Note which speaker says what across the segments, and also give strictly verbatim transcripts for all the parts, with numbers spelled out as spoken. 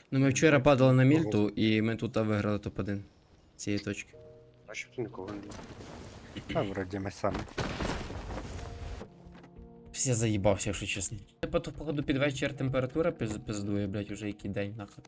Speaker 1: Ну ми вчора падали на мільту, і ми тут виграли топ один цієї точки.
Speaker 2: А щоб ти нікого не було.
Speaker 3: А вроді ми самі.
Speaker 1: Всі заїбався, якщо чесно. Типа то, походу, під вечір температура пиз- пиздує, блять, уже який день нахуй.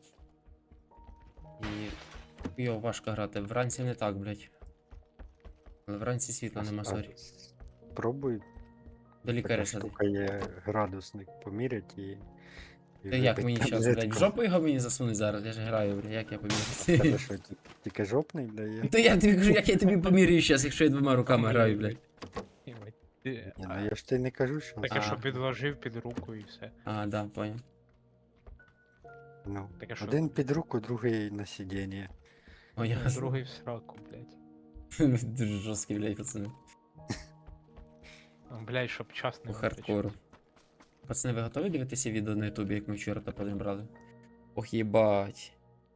Speaker 1: І йо, важко грати. Вранці не так, блять. Але вранці світла нема, сорі.
Speaker 3: Пробуй.
Speaker 1: До лікаря
Speaker 3: Така
Speaker 1: сади.
Speaker 3: штука є градусник помірять і. і
Speaker 1: Та як
Speaker 3: випить
Speaker 1: мені щас, блять,
Speaker 3: таблетку.
Speaker 1: в жопу його мені засунуть зараз, я ж граю, блять, як я
Speaker 3: Тебе
Speaker 1: поміряю.
Speaker 3: що, ті- тільки жопний дає?
Speaker 1: Та я тобі кажу, як я тобі поміряю щас, якщо я двома руками граю, блять.
Speaker 4: Єбать. Ти-
Speaker 3: Ні,
Speaker 4: а,
Speaker 3: ну я ж тобі не кажу, що.
Speaker 4: Таке,
Speaker 1: А.
Speaker 4: що підложив під руку і все.
Speaker 1: А, да, понял.
Speaker 3: Ну,
Speaker 4: Таке, що
Speaker 3: один під руку, другий на сидіння.
Speaker 1: О, ясно.
Speaker 4: другий в сраку, блядь.
Speaker 1: Дуже жорсткий, блять, пацани.
Speaker 4: Ну, блядь, щоб час
Speaker 1: По
Speaker 4: не
Speaker 1: хардкору. Пацани, ви готові дивитися відео на ютубі, як ми вчора топ один брали? Ох, їбать.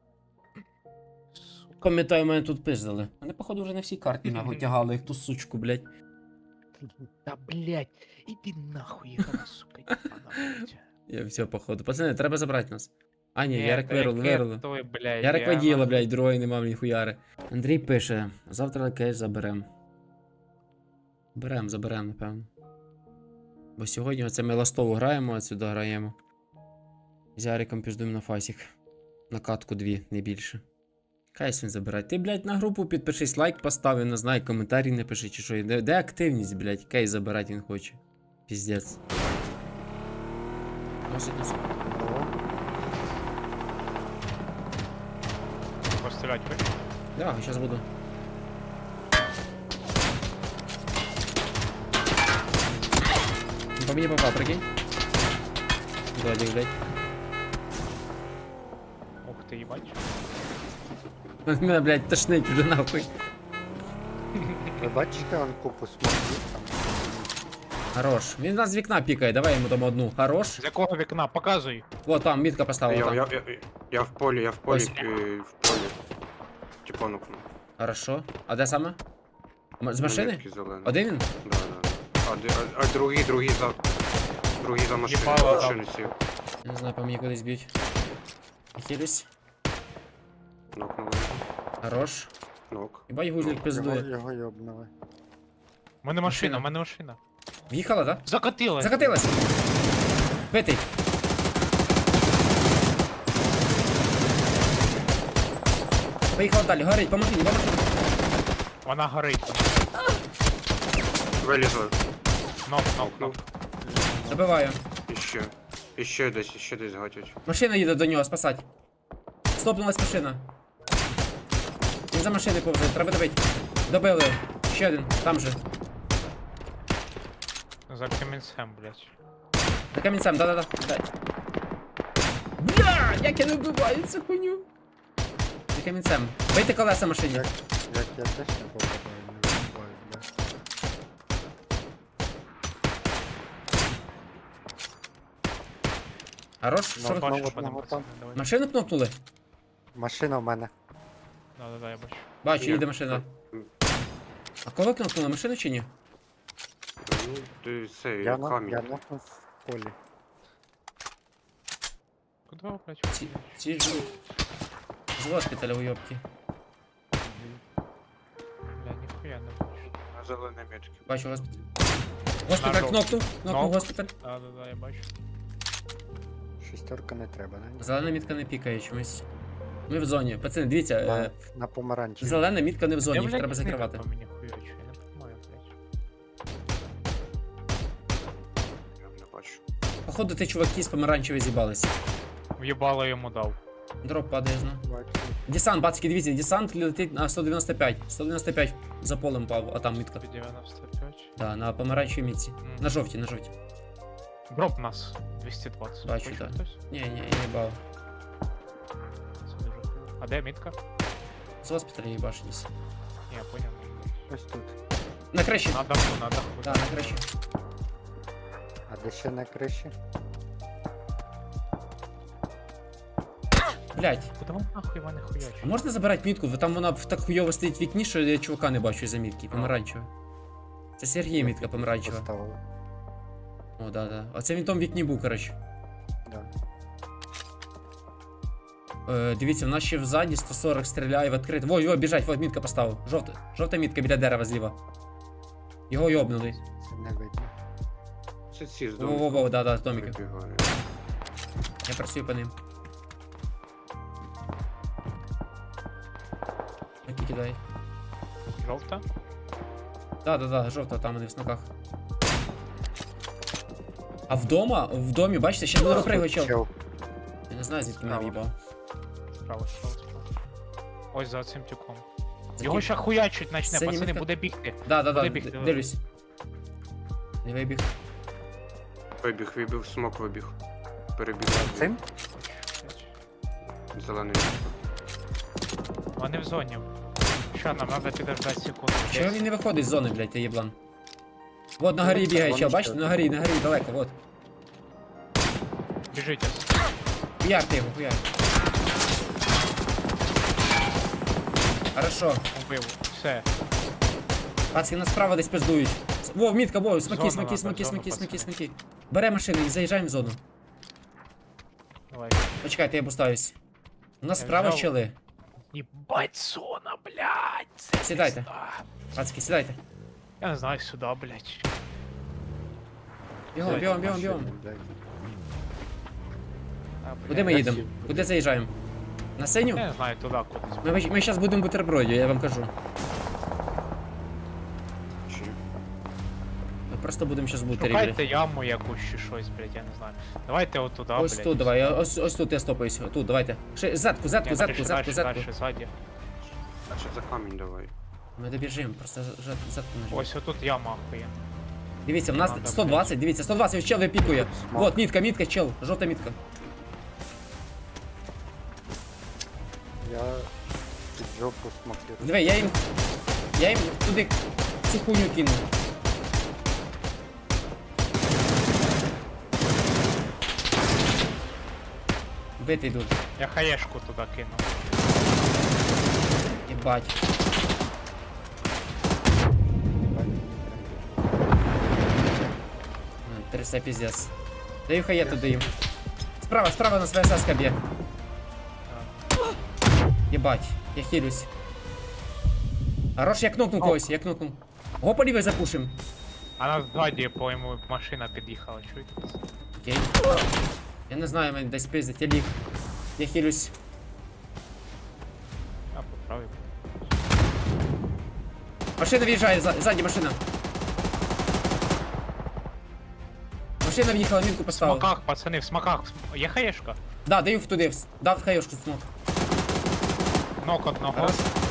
Speaker 4: Сука.
Speaker 1: Пам'ятаю, мене тут пиздили. Мене, походу, вже на всій карті нахуй тягали, як ту сучку, блять.
Speaker 4: Та блядь, іди нахуй, їхала, сука, їбана, блядь.
Speaker 1: Я все, походу. Пацани, треба забрати нас. А, ні, Ярик
Speaker 4: та
Speaker 1: вирул,
Speaker 4: яке
Speaker 1: вирул.
Speaker 4: той, блядь,
Speaker 1: Ярик
Speaker 4: я
Speaker 1: воділа,
Speaker 4: нахуй-
Speaker 1: блядь, другої нема мені хуяри. Андрій пише, завтра кейс заберем. Берем, заберем, напевно. Бо сьогодні оце ми ластову граємо, а сюди граємо. З Яриком піздуємо на фасік. На катку дві, не більше. Кейс він забирає. Ти, блядь, на групу підпишись, лайк постав, я не знаю, коментарі не пиши чи що. Де, де активність, блядь? Кейс забирати він хоче. Піздець. Носить, носить.
Speaker 4: Пострілять, ви?
Speaker 1: Да, сейчас буду. По мне попал, прикинь. Владик, блядь.
Speaker 4: Ух ти, їбать.
Speaker 1: Меня, блядь, тошнить уже нахуй.
Speaker 3: Ви бачите, он купу смоків там.
Speaker 1: Хорош. Він нас з вікна пікає, давай йому там одну. Хорош.
Speaker 4: З якого вікна? Показуй.
Speaker 1: Вот там, мітка поставила
Speaker 2: Я,
Speaker 1: там.
Speaker 2: я, я, я в полі, я в полі,
Speaker 1: Ось.
Speaker 2: е, в полі. Типа, ну,
Speaker 1: Хорошо. А де саме? М- З машини?
Speaker 2: метки зелені.
Speaker 1: Один він?
Speaker 2: Да, да. А, де- а, а другий, другий за... Другий за машину,
Speaker 4: Їбало,
Speaker 2: машину сів.
Speaker 1: Я не знаю, по мені кудись б'ють. Хилюсь.
Speaker 2: Нокнули.
Speaker 1: Хорош.
Speaker 2: Нок.
Speaker 1: Хіба гузлик
Speaker 3: Його,
Speaker 1: пиздує.
Speaker 3: його йобнули.
Speaker 4: У мене машина,
Speaker 1: Машина.
Speaker 4: у мене машина.
Speaker 1: В'їхала, да?
Speaker 4: Закатилась.
Speaker 1: Закатилась. Битий. Поїхала далі, горить, поможи, поможи.
Speaker 4: Вона горить.
Speaker 2: Вилізли.
Speaker 4: Нок, нок, нок.
Speaker 2: Нокнув.
Speaker 1: Добиваю.
Speaker 2: Іще. Іще десь, іще десь гатять.
Speaker 1: Машина їде до нього спасати. Стопнулась машина. Він за машини повзе, треба добити. Добили. Ще один, там же.
Speaker 4: За камінцем, блядь.
Speaker 1: За камінцем, да-да-да. Дай. Бля, як я не вбиваю цю хуйню. За камінцем. Бийте колеса машині.
Speaker 3: Як, як я теж не попадаю, не вибиваю, бля.
Speaker 1: Хорош, що
Speaker 3: Ну,
Speaker 1: ви?
Speaker 3: бачу,
Speaker 4: Бачиш,
Speaker 3: одного
Speaker 4: мене
Speaker 3: там.
Speaker 4: пацани, давай.
Speaker 1: Машину кнопнули?
Speaker 3: Машина в мене.
Speaker 4: Да, да, да, я бачу.
Speaker 1: Бачу,
Speaker 2: Ні.
Speaker 1: їде машина. А кого кнопнули, машину чи ні?
Speaker 2: Ну, ти це,
Speaker 3: Я, на,
Speaker 2: камінь.
Speaker 3: я нокнув в полі.
Speaker 4: Куди, блядь?
Speaker 1: Ці, ці ж з госпіталя уйобки.
Speaker 4: Бля, ніхуя не бачу.
Speaker 2: На зеленій метки.
Speaker 1: Бачу госпіталь. Госпіталь
Speaker 4: Нажав.
Speaker 1: кнопнув, кнопнув
Speaker 4: Нок.
Speaker 1: госпіталь.
Speaker 4: Да, да, да, я бачу.
Speaker 3: Шістерка не треба, не?
Speaker 1: Зелена мітка не пікає чомусь. Ми в зоні. Пацани, дивіться,
Speaker 3: На,
Speaker 1: е,
Speaker 3: на помаранчі.
Speaker 1: зелена мітка не в зоні,
Speaker 4: Я,
Speaker 1: їх
Speaker 4: блядь,
Speaker 1: треба
Speaker 4: не
Speaker 1: закривати.
Speaker 4: по мені хуячу, я не понимаю, блядь.
Speaker 2: Я не бачу.
Speaker 1: Походу, ти чуваки з помаранчевої з'їбалися.
Speaker 4: В'єбало йому дав.
Speaker 1: Дроп падає знову.
Speaker 3: Бачу.
Speaker 1: Десант, бацьки, дивіться, десант летить на сто дев'яносто п'ять. сто дев'яносто п'ять за полем пав, а там мітка.
Speaker 4: дев'яносто п'ять.
Speaker 1: Да, на помаранчевій мітці.
Speaker 4: Мгм.
Speaker 1: На жовтій, на жовтій.
Speaker 4: Дроп нас. двісті двадцять.
Speaker 1: Бачу,
Speaker 4: Хоче
Speaker 1: так.
Speaker 4: хтось?
Speaker 1: Ні, ні, я їбав.
Speaker 4: Це дуже хуйово. А де мітка?
Speaker 1: З госпіталя їбашились.
Speaker 4: Ні, я поняв.
Speaker 3: Ось тут.
Speaker 1: На криші.
Speaker 4: На даху, на даху.
Speaker 1: Да, на криші.
Speaker 3: А де ще на криші?
Speaker 1: Блять,
Speaker 4: Куди вам нахуй мене хуячить?
Speaker 1: а можна забирати мітку? Бо там вона в- так хуйово стоїть в вікні, що я чувака не бачу за мітки, помаранчева. Це Сергій мітка помаранчева.
Speaker 3: Поставили.
Speaker 1: О, да, да. А це він в тому вікні був, коротше.
Speaker 3: Да.
Speaker 1: Е, дивіться, в нас ще взаді сто сорок стріляє в відкрите. Во, його біжать, вот мітка поставив. Жовта, жовта мітка біля дерева зліва. Його йобнули.
Speaker 3: Це не видно.
Speaker 2: Це ці з
Speaker 1: Во-во-во,
Speaker 2: домиком
Speaker 1: да, да, з домиків.
Speaker 2: прибігають.
Speaker 1: Я працюю по ним. Які кидай.
Speaker 4: Жовта?
Speaker 1: Да, да, да, жовта, там вони в смоках. А вдома, в домі, бачите, ще не розпригує чел.
Speaker 3: Чел.
Speaker 1: Я не знаю, звідки мене
Speaker 4: Справа.
Speaker 1: в'їбав.
Speaker 4: Справа, справа, справа. Ось за цим тюком.
Speaker 1: За
Speaker 4: Його
Speaker 1: ким?
Speaker 4: ще хуячить начне,
Speaker 1: Синя
Speaker 4: пацани,
Speaker 1: мітка?
Speaker 4: буде бігти.
Speaker 1: Да, да, да,
Speaker 4: Куди бігти?
Speaker 1: д- дивлюсь. Не вибіг.
Speaker 2: Вибіг, вибіг, смок вибіг. Перебіг.
Speaker 3: Цим?
Speaker 2: Зелений.
Speaker 4: Вони в зоні. Що, нам треба підождати секунду.
Speaker 1: Чого він не виходить з зони, блядь, ти єблан? Вот на горі
Speaker 3: Вони
Speaker 1: бігає
Speaker 3: ще-
Speaker 1: чел,
Speaker 3: вони
Speaker 1: бачите,
Speaker 3: ще-
Speaker 1: на горі, на горі, далеко, вот.
Speaker 4: Біжите.
Speaker 1: Хуяр ти його, хуяр. Хорошо.
Speaker 4: Убив. Все.
Speaker 1: Пацки, нас справа десь пиздують. Во, мітка, во, смоки,
Speaker 4: Зона
Speaker 1: смоки,
Speaker 4: надо,
Speaker 1: смоки,
Speaker 4: зону,
Speaker 1: смоки, смоки,
Speaker 4: пацани.
Speaker 1: смоки. Бере машину і заїжджаємо в зону.
Speaker 4: Давай.
Speaker 1: Почекайте, я бустаюсь. У нас
Speaker 4: Я
Speaker 1: справа
Speaker 4: взяв.
Speaker 1: щели.
Speaker 4: Єбать зона, блядь. Це
Speaker 1: Сідайте.
Speaker 4: пізда.
Speaker 1: Пацки, сідайте.
Speaker 4: Я не знаю, сюди, блядь.
Speaker 1: Бігом, бігом, бігом, бігом.
Speaker 3: Машини, блядь.
Speaker 4: А, блядь.
Speaker 1: Куди ми
Speaker 3: я
Speaker 1: їдемо?
Speaker 3: сів.
Speaker 1: Куди заїжджаємо? На синю?
Speaker 4: Я не знаю, туди кудись.
Speaker 1: Ми, ми зараз будемо бутербродів, я вам кажу.
Speaker 2: Чи?
Speaker 1: Ми просто будемо зараз бутері.
Speaker 4: Шукайте яму якусь чи щось, блядь, я не знаю. Давайте от туди,
Speaker 1: Ось
Speaker 4: блядь.
Speaker 1: тут, давай, я- ось, ось тут я стопаюсь. Тут, давайте. Ще, задку, задку,
Speaker 4: Ні,
Speaker 1: задку,
Speaker 4: дальше,
Speaker 1: задку,
Speaker 4: дальше,
Speaker 1: задку.
Speaker 4: дальше, ззаді.
Speaker 2: А ще за камінь давай.
Speaker 1: Ми добіжимо, просто за- за- задку нажмемо.
Speaker 4: Ось отут яма охуєнна.
Speaker 1: Дивіться, в нас
Speaker 4: Надо,
Speaker 1: сто двадцять, дивіться, сто двадцять, ось чел випікує.
Speaker 3: Смок.
Speaker 1: Вот, мітка, мітка, чел, жовта мітка.
Speaker 3: Я під жопу смокірую.
Speaker 1: Диви, я їм. Я їм туди цю хуйню кину. Бити йдуть.
Speaker 4: Я хаєшку туди кину.
Speaker 1: Єбать. Ну, Трясе піздец. Даю хає туди їм. Справа, справа на своя саска б'є. Єбать, я хилюсь. Хорош, я кнопнув когось, я кнопнув. Го по лівій запушим.
Speaker 4: А нас ззаді, по-моєму, машина під'їхала, чуєте?
Speaker 1: Окей. Я не знаю, мене десь пиздить, я ліг. Я хилюсь.
Speaker 4: А, поправив.
Speaker 1: Машина в'їжджає, за- ззаді машина. Машина в'їхала, мітку
Speaker 4: В
Speaker 1: поставила.
Speaker 4: смоках, пацани, в смоках. Є хаєшка?
Speaker 1: Да, даю туди, вс- дав хаєшку смок.
Speaker 4: Нок одного.
Speaker 1: Хорош.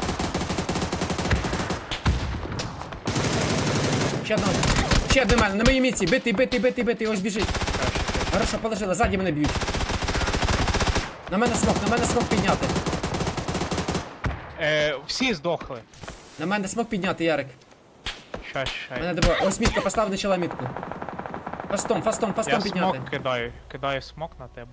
Speaker 1: Ще одного. Ще один мене, на моїй міці, битий, битий, битий, битий, ось біжить. Хорошо, положила, ззаді мене б'ють. На мене смок, на мене смок підняти.
Speaker 4: Е, всі здохли.
Speaker 1: На мене смок підняти, Ярик.
Speaker 4: Щас, щас.
Speaker 1: Мене добро. Ось мітка, постав начала мітку. Фастом, фастом, фастом
Speaker 4: Я
Speaker 1: підняти.
Speaker 4: смок кидаю. Кидаю смок на тебе.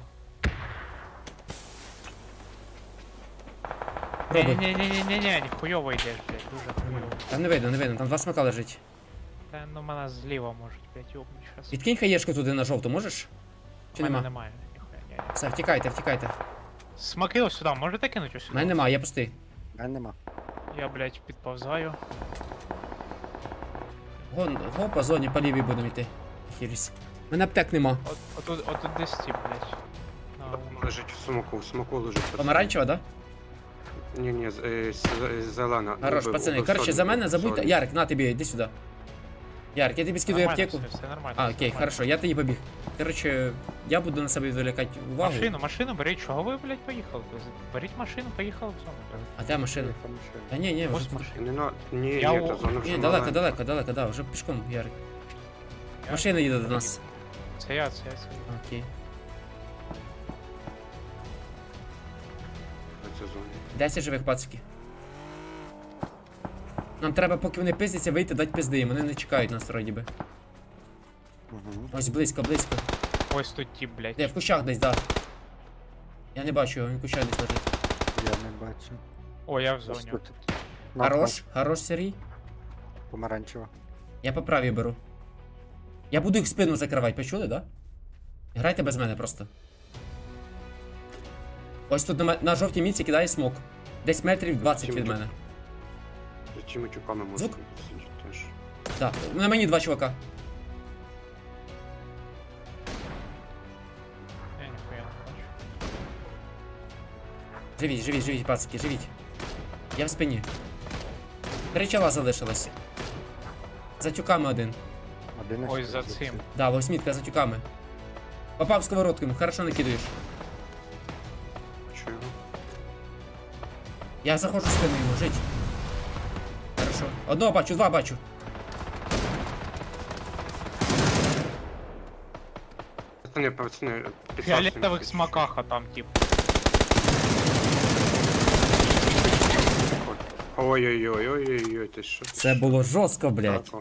Speaker 1: Пробуй.
Speaker 4: Ні-ні-ні-ні-ні, хуйово йдеш, блядь, дуже хуйово.
Speaker 1: Там не видно, не видно, там два смока лежить.
Speaker 4: Та ну мене зліва можуть, блядь, йобнуть щас.
Speaker 1: Відкинь хаєшку туди на жовту, можеш? Чи
Speaker 4: У мене
Speaker 1: нема?
Speaker 4: немає, ніхуя, ні.
Speaker 1: Все, втікайте, втікайте.
Speaker 4: Смоки ось сюди, можете кинути ось
Speaker 1: У
Speaker 4: сюди?
Speaker 1: мене нема, я пустий.
Speaker 3: А нема.
Speaker 4: Я, блядь, підповзаю.
Speaker 1: Гон, го по зоні по лівій будемо йти. Хіліс. У мене аптек нема.
Speaker 4: От, отут, отут десь ті, блядь. На-
Speaker 2: Лежить в смоку, в смоку лежить. пацани.
Speaker 1: Помаранчева, да?
Speaker 2: Ні, ні, з- е, з- зелена.
Speaker 1: Хорош,
Speaker 2: Убив,
Speaker 1: пацани.
Speaker 2: убив
Speaker 1: Короче,
Speaker 2: Соню,
Speaker 1: за мене
Speaker 2: убив
Speaker 1: забудьте.
Speaker 2: Соню.
Speaker 1: Ярик, на тобі, іди сюди. Ярик, я тобі скидаю
Speaker 4: Нормально
Speaker 1: аптеку.
Speaker 4: все, все нормально.
Speaker 1: А,
Speaker 4: все
Speaker 1: окей,
Speaker 4: нормально.
Speaker 1: хорошо, я тоді побіг. Короче, я буду на себе відволікати увагу.
Speaker 4: Машину, машину беріть, чого ви, блядь, поїхали? Беріть машину, поїхали в зону. блядь.
Speaker 1: А де машина?
Speaker 3: Яка машина?
Speaker 1: Та ні, ні, вже.
Speaker 4: Ось машина.
Speaker 2: Не на... Ні,
Speaker 4: Я
Speaker 2: ні,
Speaker 4: у-
Speaker 2: та зона вже
Speaker 1: Ні, далеко,
Speaker 2: маленька.
Speaker 1: далеко, далеко, да, вже пішком, Ярик.
Speaker 4: Я-
Speaker 1: Машина їде до нас.
Speaker 4: Це я, це я, це я.
Speaker 1: Окей.
Speaker 2: Це зона.
Speaker 1: десять живих пацики. Нам треба, поки вони пиздяться, вийти, дати пизди їм. Вони не чекають нас вроді би.
Speaker 3: Угу.
Speaker 1: Ось близько, близько.
Speaker 4: Ось тут ті, блядь.
Speaker 1: Де, в кущах десь, да. Я не бачу його, він в кущах десь лежить.
Speaker 3: Я не бачу.
Speaker 4: О, я в
Speaker 3: Ось
Speaker 4: зоні.
Speaker 3: тут.
Speaker 1: Хорош, хорош, Сергій.
Speaker 3: Помаранчева.
Speaker 1: Я по правій беру. Я буду їх спину закривати, почули, да? Грайте без мене просто. Ось тут на, ме- на жовтій міці кидає смок. Десь метрів двадцять від мене.
Speaker 2: За цими тюками можна
Speaker 1: Звук?
Speaker 2: сидіти теж.
Speaker 1: Так, на мені два чувака.
Speaker 4: Я ніхуя не бачу.
Speaker 1: Живіть, живіть, живіть, пацики, живіть. Я в спині. Три чола залишилось. За тюками один.
Speaker 3: Один
Speaker 4: Ой, за цим.
Speaker 1: Да, восьмітка за тюками. Попав сковородкою, хорошо накидаєш.
Speaker 2: Чую.
Speaker 1: Я заходжу в спину йому, жить. Хорошо. Одного бачу, два бачу.
Speaker 2: Пацани, пацани,
Speaker 4: В
Speaker 2: підсасуємо
Speaker 4: фіолетових
Speaker 2: всі.
Speaker 4: смаках, а там тип.
Speaker 2: Ой-ой-ой, ой-ой-ой, ти що? ти
Speaker 1: Це
Speaker 2: що?
Speaker 1: було жорстко, блядь.
Speaker 2: Так,